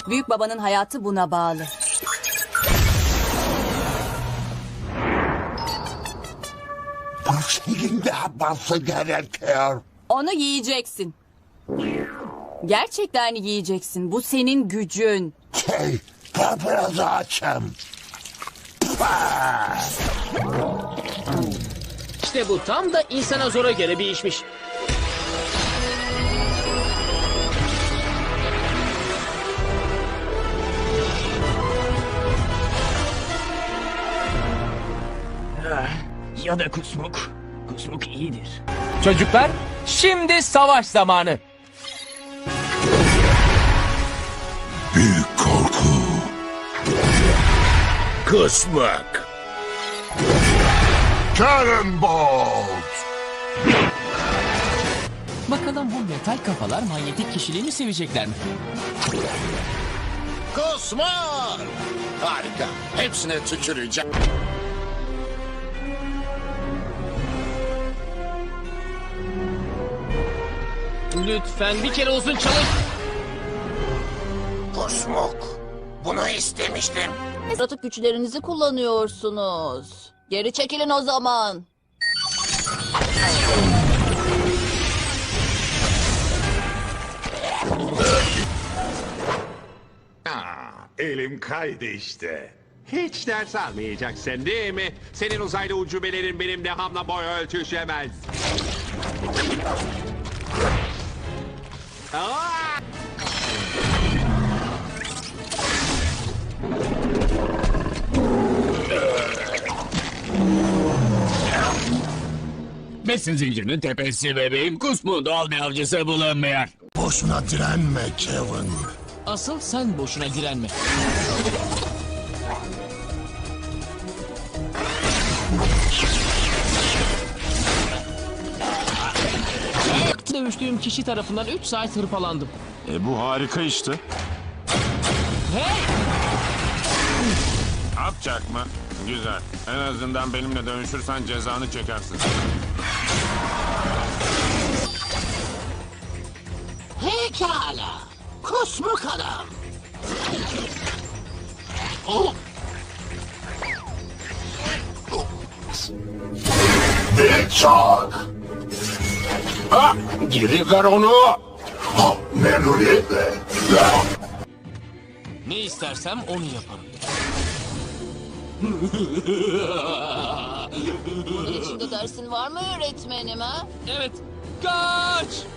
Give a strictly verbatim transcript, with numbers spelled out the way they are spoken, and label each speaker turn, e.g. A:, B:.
A: Büyük babanın hayatı buna bağlı.
B: Bu senin de yapması gerekiyor.
A: Onu yiyeceksin. Gerçekten yiyeceksin. Bu senin gücün.
B: Şey, ben biraz açım.
C: İşte bu tam da insana zora göre bir işmiş. Ya da kusmuk. Kusmuk iyidir.
D: Çocuklar, şimdi savaş zamanı.
B: Büyük korku.
E: Kusmak.
B: Cannonbolt.
D: Bakalım bu metal kafalar manyetik kişiliğini sevecekler mi?
E: Kusmak. Harika. Hepsine tüküreceğim.
C: Lütfen bir kere olsun çalış.
E: Kusmuk. Bunu istemiştim.
F: Yaratık güçlerinizi kullanıyorsunuz. Geri çekilin o zaman.
G: Aa, elim kaydı işte. Hiç ders almayacaksın değil mi? Senin uzaylı ucubelerin benim dehamla boy ölçüşemez. Aa!
E: Besin zincirinin tepesi bebeğim. Kusmuğun doğal bir avcısı bulunmuyor.
B: Boşuna direnme Kevin.
D: Asıl sen boşuna direnme. Dövüştüğüm kişi tarafından üç saat hırpalandım.
H: E bu harika işte.
D: Hey!
H: Yapacak mı? Güzel. En azından benimle dövüşürsen cezanı çekersin.
E: Pekala. Kusmuk adam.
B: Richard.
E: Ha, geri ver onu.
B: Ha, memnuniyetle.
D: Ne istersem onu yaparım.
F: Bunun içinde dersin var mı öğretmenim ha?
D: Evet, kaç!